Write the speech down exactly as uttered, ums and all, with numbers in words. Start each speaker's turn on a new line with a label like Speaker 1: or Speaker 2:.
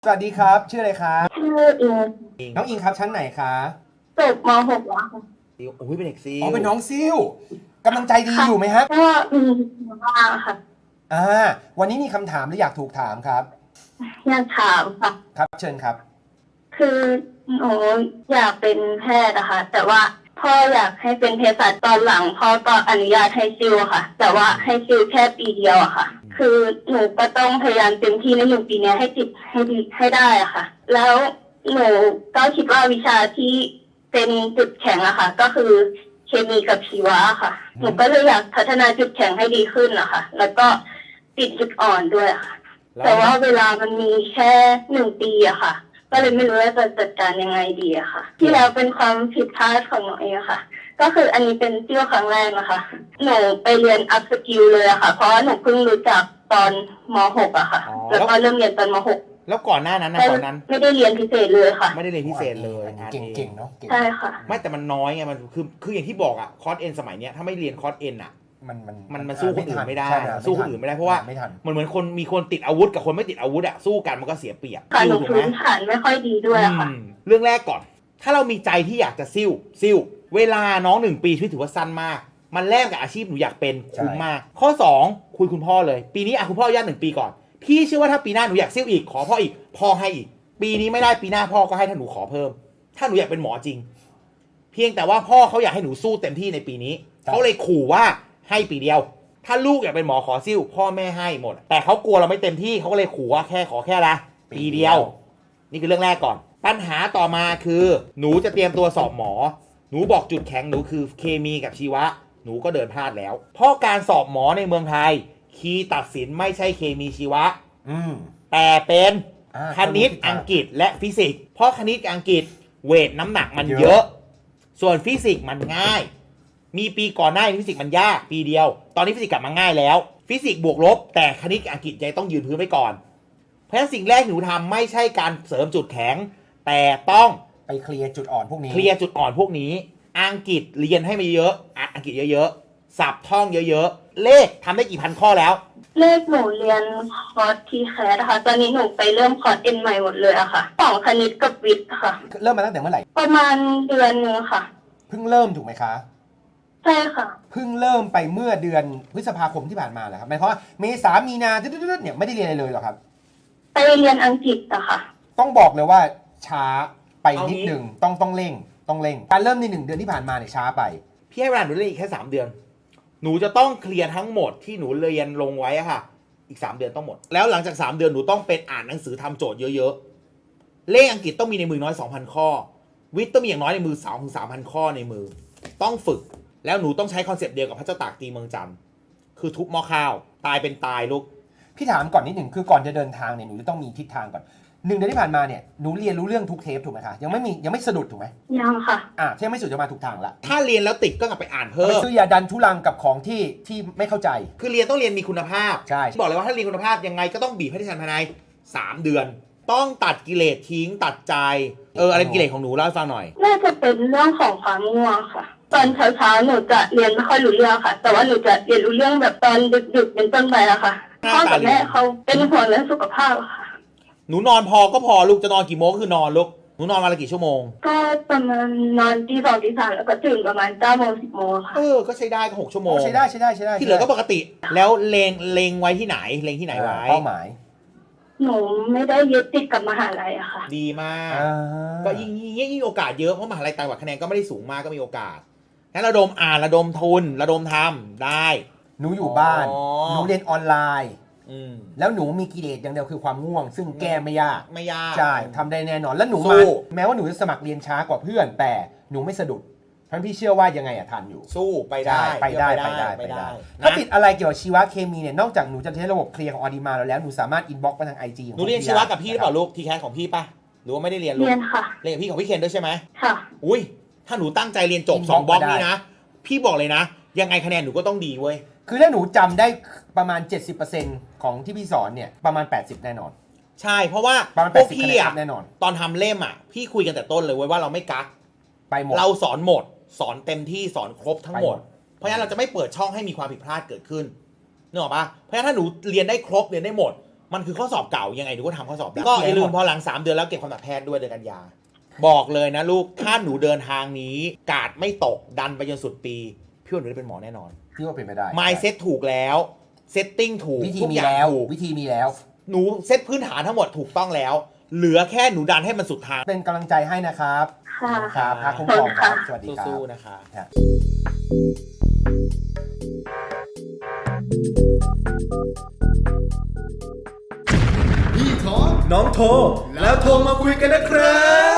Speaker 1: สวัสดีครับชื่ออะไรครับ
Speaker 2: ชื่ออิง
Speaker 1: น้องอิงครับชั้นไหนคะ
Speaker 2: จบม หก แล้วค่ะ
Speaker 3: ซิลโอ้ยเป็นเด็กซิล
Speaker 1: อ๋อเป็นน้องซิลกำลังใจดีอยู่ไหมฮะ
Speaker 2: ก็มีบ้างค่ะ
Speaker 1: อ่าวันนี้มีคำถามหรืออยากถูกถามครับ
Speaker 2: อยากถามค่ะ
Speaker 1: ครับเชิญครับ
Speaker 2: คือหนูอยากเป็นแพทย์นะคะแต่ว่าพ่ออยากให้เป็นเภสัชตอนหลังพ่อก็อนุญาตให้ซิลค่ะ แต่ว่าให้ซิลแค่ปีเดียวอะค่ะคือหนูก็ต้องพยายามเต็มที่ในหนึ่งปีนี้ให้ติดให้ดีให้ได้อะค่ะแล้วหนูก็คิดว่าวิชาที่เป็นจุดแข็งอะค่ะก็คือเคมีกับชีวะค่ะหนูก็เลยอยากพัฒนาจุดแข็งให้ดีขึ้นนะคะแล้วก็ติดจุดอ่อนด้วยค่ะแต่ว่าเวลามันมีแค่หนึ่งปีอะค่ะก็เลยไม่รู้ว่าจะจัดการยังไงดีอะค่ะที่แล้วเป็นความผิดพลาดของหนูเองค่ะก็คืออันนี้เป็นเที่ยวครั้งแรกนะคะหนูไปเรียนอัพสกิลเลยอะค่ะเพราะหนูเพิ่งรู้จักตอนม หกอะค่ะแล้วก็เริ่มเรียนตอนม หก
Speaker 3: แล้วก่อนหน้านั้นนะก่อนนั้น
Speaker 2: ไม่ได้เรียนพิเศษเลยค่ะ
Speaker 3: ไม่ได้เรียนพิเศษเลย
Speaker 1: เก่งๆเนาะ
Speaker 2: ใช่ค่ะ
Speaker 3: ไม่แต่มันน้อยไงมันคือคืออย่างที่บอกอะคอร์สเอ็นสมัยเนี้ยถ้าไม่เรียนคอร์สเอ็นอะ
Speaker 1: มันมัน
Speaker 3: มันมันสู้คนอื่นไม่ได้สู้คนอื่นไม่ได้เพราะ
Speaker 1: ว่า
Speaker 3: ว่ามันเหมือนคนมีคนติดอาวุธกับคนไม่ติดอาวุธอะสู้กันมันก็เสียเปรียบ
Speaker 2: ค่ะหนูพื้นฐานไม่ค่อยดีด้วยค่ะ
Speaker 3: เรื่องแรกก่อนถ้าเรามีใจที่อยากจะซิ่วซิ่วเวลาน้องหนึ่งปีชีวิตถือว่าสั้นมากมันแลกกับอาชีพหนูอยากเป็นคุ้มมากข้อสองคุยคุณพ่อเลยปีนี้อะคุณพ่ออนุญาตหนึ่งปีก่อนพี่เชื่อว่าถ้าปีหน้าหนูอยากซิ่วอีกขอพ่ออีกพ่อให้อีกปีนี้ไม่ได้ปีหน้าพ่อก็ให้ถ้าหนูขอเพิ่มถ้าหนูอยากเป็นหมอจริงเพียงแต่ว่าพ่อเขาอยากให้หนูสู้เต็มที่ในปีนี้เขาเลยขู่ว่าให้ปีเดียวถ้าลูกอยากเป็นหมอขอซิ่วพ่อแม่ให้หมดแต่เขากลัวเราไม่เต็มที่เขาก็เลยขู่ว่าแค่ขอแค่ละปีเดียวนี่คือเรื่องแรกก่อนปัญหาต่อมาคือหนูจะเตรียมตัวสอบหมอหนูบอกจุดแข็งหนูคือเคมีกับชีวะหนูก็เดินพลาดแล้วเพราะการสอบหมอในเมืองไทยคีย์ตัดสินไม่ใช่เคมีชีวะแต่เป็นคณิตอังกฤษและฟิสิกส์เพราะคณิตกับอังกฤษเวทน้ำหนักมันเยอะส่วนฟิสิกส์มันง่ายมีปีก่อนหน้าฟิสิกส์มันยากปีเดียวตอนนี้ฟิสิกส์กลับมาง่ายแล้วฟิสิกส์บวกลบแต่คณิตกับอังกฤษยังต้องยืนพื้นไว้ก่อนเพราะฉะนั้นสิ่งแรกหนูทำไม่ใช่การเสริมจุดแข็งแต่ต้อง
Speaker 1: ไปเคลียร์จุดอ่อนพวกนี้
Speaker 3: เคลียร์จุดอ่อนพวกนี้อังกฤษเรียนให้มาเยอะอังกฤษเยอะๆสับท่องเยอะๆเลขทำได้กี่พันข้อแล้ว
Speaker 2: เลขหนูเรียนคอร์สทีแคสนะคะตอนนี้หนูไปเริ่มคอร์สเอ็นใหม่หมดเลยอะค่ะสองคณิตกับวิทย์ค่ะ
Speaker 1: เริ่มมาตั้งแต่เมื่อไหร่
Speaker 2: ประมาณเดือนนึงค่ะ
Speaker 1: เพิ่งเริ่มถูกไหมคะ
Speaker 2: ใช่ค่ะ
Speaker 1: เพิ่งเริ่มไปเมื่อเดือนพฤษภาคมที่ผ่านมาแหละครับหมายความว่าเมษามีนาตึ๊ดๆเนี่ยไม่ได้เรียนอะไรเลยหรอครับ
Speaker 2: ไปเรียนอังกฤษอะค่ะ
Speaker 1: ต้องบอกเลยว่าช้าไปนิดหนึ่งต้องต้องเร่งต้องเร่งการเริ่มในหนึ่งเดือนที่ผ่านมาเนี่ยช้าไป
Speaker 3: พี่ให้เวลาหนูเรียนอีกแค่สามเดือนหนูจะต้องเคลียร์ทั้งหมดที่หนูเรียนลงไว้อะค่ะอีกสามเดือนต้องหมดแล้วหลังจากสามเดือนหนูต้องเป็นอ่านหนังสือทำโจทย์เยอะๆเลขอังกฤษต้องมีในมือน้อย สองพัน ข้อวิทย์ต้องมีอย่างน้อยในมือ สองถึงสามพัน ข้อในมือต้องฝึกแล้วหนูต้องใช้คอนเซปต์เดียวกับพระเจ้าตากตีเมืองจันทร์คือทุบหม้อข้าวตายเป็นตายลูก
Speaker 1: พี่ถามก่อนนิดหนึ่งคือก่อนจะเดินทางเนี่ยหนูจะต้องมีทิศทางก่อนหนึ่งเดือนที่ผ่านมาเนี่ยหนูเรียนรู้เรื่องทุกเทปถูกไหมคะยังไม่มียังไม่สะดุดถูกไหม
Speaker 2: ยังค่ะ
Speaker 1: อ่าที่ยังไม่สุดจะมาถูกทางละ
Speaker 3: ถ้าเรียนแล้วติดก็กลับไปอ่านเพิ่ม
Speaker 1: ซื้อยาดันทุลังกับของที่ที่ไม่เข้าใจ
Speaker 3: คือเรียนต้องเรียนมีคุณภาพ
Speaker 1: ใช่
Speaker 3: บอกเลยว่าถ้าเรียนคุณภาพยังไงก็ต้องบีบให้ได้ทันภายในสามเดือนต้องตัดกิเลสทิ้งตัดใจเอออะไรกิเลสของหนูเล่าให้ฟังหน่อย
Speaker 2: น่าจะเป็นเรื่องของความง่วงค่ะตอนเช้าๆหนูจะเรียนไม่ค่อยรู้เรื่องค่ะแต่ว่าหนูจะเรียนรู้เรื่องแบบตอนดึกๆเป็นต้นไปอะค่ะพ่อกับแม่เขาเป็นห่วงเรื่องสุขภาพค่ะ
Speaker 3: หนูนอนพอก็พอลูกจะนอนกี่โมงก็คือนอนลูกหนูนอนวันละกี่ชั่วโมง
Speaker 2: ก็ประมาณนอนตีสองตีสามแล้วก็ตื่นประมาณเก้าโมงสิบโมงค่ะ
Speaker 3: เออก็ใช้ได้ก็หกชั่วโมง
Speaker 1: ใช้ได้ใช้ได้ใช้ได้
Speaker 3: ที่เหลือก็ปกติแล้วเลงเลงไว้ที่ไหนเลงที่ไหนไว้
Speaker 1: เป้าหมาย
Speaker 2: หนูไม่ได้ยึดติดกับมหาลัยอะค่ะ
Speaker 3: ดีมากก็ยิ่งยิ่งยิ่งโอกาสเยอะเพราะมหาลัยต่างจังหวัดคะแนนก็ไม่ได้สูงมากก็มีโอกาสงั้นระดมอ่านระดมทุนระดมทำได้
Speaker 1: หนูอยู่บ้านหนูเรียนออนไลน์แล้วหนูมีกิเลสอย่างเดียวคือความง่วงซึ่งแก้ไม่ยาก
Speaker 3: ไม่ยาก
Speaker 1: ใช่ทำได้แน่นอนแล้วหนูมาแม้ว่าหนูจะสมัครเรียนช้ากว่าเพื่อนแต่หนูไม่สะดุดเพราะพี่เชื่อว่ายังไงอะทันอยู่
Speaker 3: สู้ไปได้
Speaker 1: ไปได้ไปได้ไปได้ถ้าติดอะไรเกี่ยวกับชีวเคมีเนี่ยนอกจากหนูจะใช้ระบบเคลียร์ของออดีมาแล้วหนูสามารถอินบ็อกซ์ไปทางไอจี
Speaker 3: หนูเรียนชีวะกับพี่หรือเปล่าลูกทีแคสของพี่ป่ะหรือว่าไม่ได้เรียนลูก
Speaker 2: เรียนค่ะ
Speaker 3: เรียนกับพี่ของพี่เคนด้วยใช่ไหม
Speaker 2: ค่ะ
Speaker 3: อุ้ยถ้าหนูตั้งใจเรียนจบสองบล็อกนี้นะพี่บอกเลยนะยังไงคะแนนหนูก็ต้องดีเว้ย
Speaker 1: คือถ้าหนูจำได้ประมาณ เจ็ดสิบเปอร์เซ็นต์ ของที่พี่สอนเนี่ยประมาณแปดสิบแน่นอน
Speaker 3: ใช่เพราะว่า
Speaker 1: พวกพี่อะแน่นอน
Speaker 3: ตอนทำเล่มอ่ะพี่คุยกันแต่ต้นเลยเว้ยว่าเราไม่กัก
Speaker 1: ไปหมด
Speaker 3: เราสอนหมดสอนเต็มที่สอนครบทั้งหมดเพราะฉะนั้นเราจะไม่เปิดช่องให้มีความผิดพลาดเกิดขึ้นนึกออกปะเพราะฉะนั้นถ้าหนูเรียนได้ครบเรียนได้หมดมันคือข้อสอบเก่ายังไงหนูก็ทำข้อสอบได้ก็อย่าลืมพอหลังสามเดือนแล้วเก็บความดันแพทย์ด้วยเดือนกันยาบอกเลยนะลูกถ้าหนูเดินทางนี้กาดไม่ตกดันไปจนสุดปีพี่ว่าหนูได้เป็นหมอแน่นอน
Speaker 1: พี่ว่าเป็นไปได้
Speaker 3: mindset ถูกแล้วเซตติ้งถูก
Speaker 1: วิธี
Speaker 3: ทุก
Speaker 1: มี
Speaker 3: อย่าง
Speaker 1: แล้ว
Speaker 3: ถูก
Speaker 1: วิธีมีแล้ว
Speaker 3: หนูเซตพื้นฐานทั้งหมดถูกต้องแล้ว เหลือแค่หนูดันให้มันสุดทาง
Speaker 1: เป็นกำลังใจให้นะครับ
Speaker 2: ค่ะ
Speaker 1: ครับพระคุ้มครองครับสวัสดีครับ
Speaker 3: สู้ๆนะคะ
Speaker 1: ครับ
Speaker 4: พี่ท้อน้องโทรแล้วโทรมาคุยกันนะครับ